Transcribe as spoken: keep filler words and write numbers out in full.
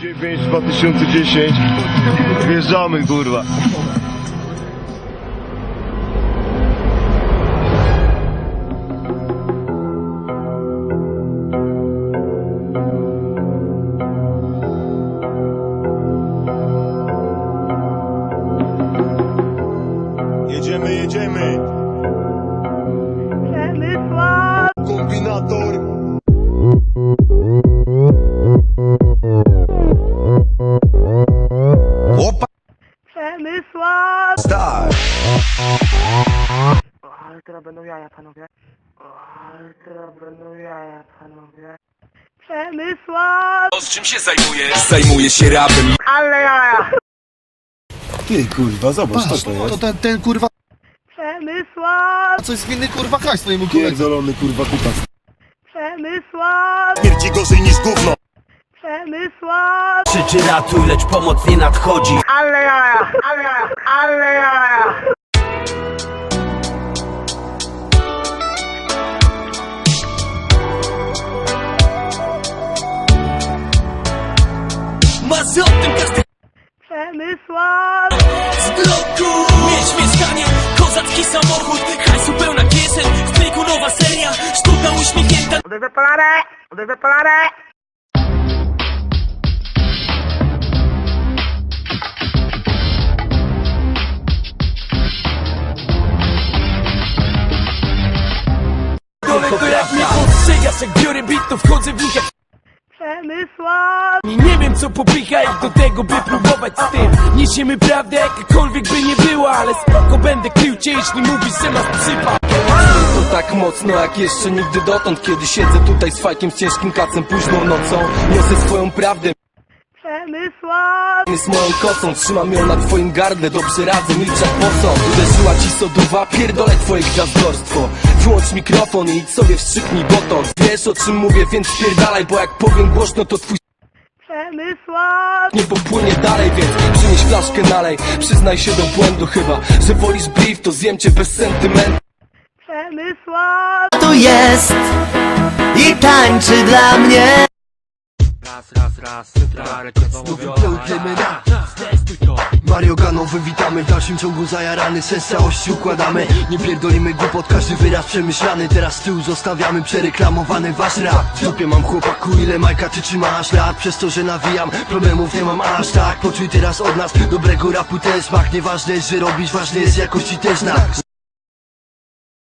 dziewięć dwa tysiące dziesięć. Wjeżdżamy, kurwa. Jedziemy, jedziemy. Przemysław! Kombinator. Opa. Przemysław! Start. O, ale teraz będą jaja, panowie. O, ale teraz będą jaja, panowie. Przemysław! Z czym się zajmujesz? Zajmuję się rapem. Ale jaja! Ty, kurwa, zobacz, Patrz, co to jest. to ten, ten kurwa, Przemysław! coś z winny kurwa haj swojemu koledze. Pierdolony, kurwa, kutas. Przemysław! Śmierci gorzej niż gówno. Przemysław! Krzyczy ratuj, lecz pomoc nie nadchodzi. Ale jaja! Ale jaja! Ale jaja! Masz o tym każdy Przemysław! z bloku. Mieć mieszkanie, kozacki samochód, hajsu pełna kieszeń, w pliku nowa seria, sztuka uśmiechnięta. Odejdę polarę! Odejdę polarę! Dole to jak mnie postrzegasz, jak biorę bit, to wchodzę w nich jak... Przemysław! I nie wiem co popycha ich do tego, by próbować z tym. Niesiemy prawdę, jakakolwiek by nie była, ale spoko będę krył cię, jeśli mówisz, że masz psypa. To tak mocno jak jeszcze nigdy dotąd, kiedy siedzę tutaj z fajkiem, z ciężkim kacem późną nocą. Niosę swoją prawdę, Przemysław! z moją kosą, trzymam ją na twoim gardle, dobrze radzę, milczak po co? Uderzyła ci soduwa, pierdolę twoje gwiazdorstwo. Wyłącz mikrofon i idź sobie wstrzyknij botox. Wiesz o czym mówię, więc spierdalaj, bo jak powiem głośno, to twój Przemysław! nie popłynie dalej, więc przynieś flaszkę nalej. Przyznaj się do błędu chyba, że wolisz brief, to zjem cię bez sentymentu. Przemysław! Tu jest i tańczy dla mnie. Mario Ganowy, witamy w dalszym ciągu zajarany, sens całości układamy. Nie pierdolimy głupot, każdy wyraz przemyślany. Teraz z tyłu zostawiamy przereklamowany wasz rap. W dupie mam chłopaku, ile Majka ty trzymasz lat? Przez to, że nawijam, problemów nie mam aż tak. Poczuj teraz od nas dobrego rapu ten smak. Nieważne jest, że robisz, ważny jest jakości też znak.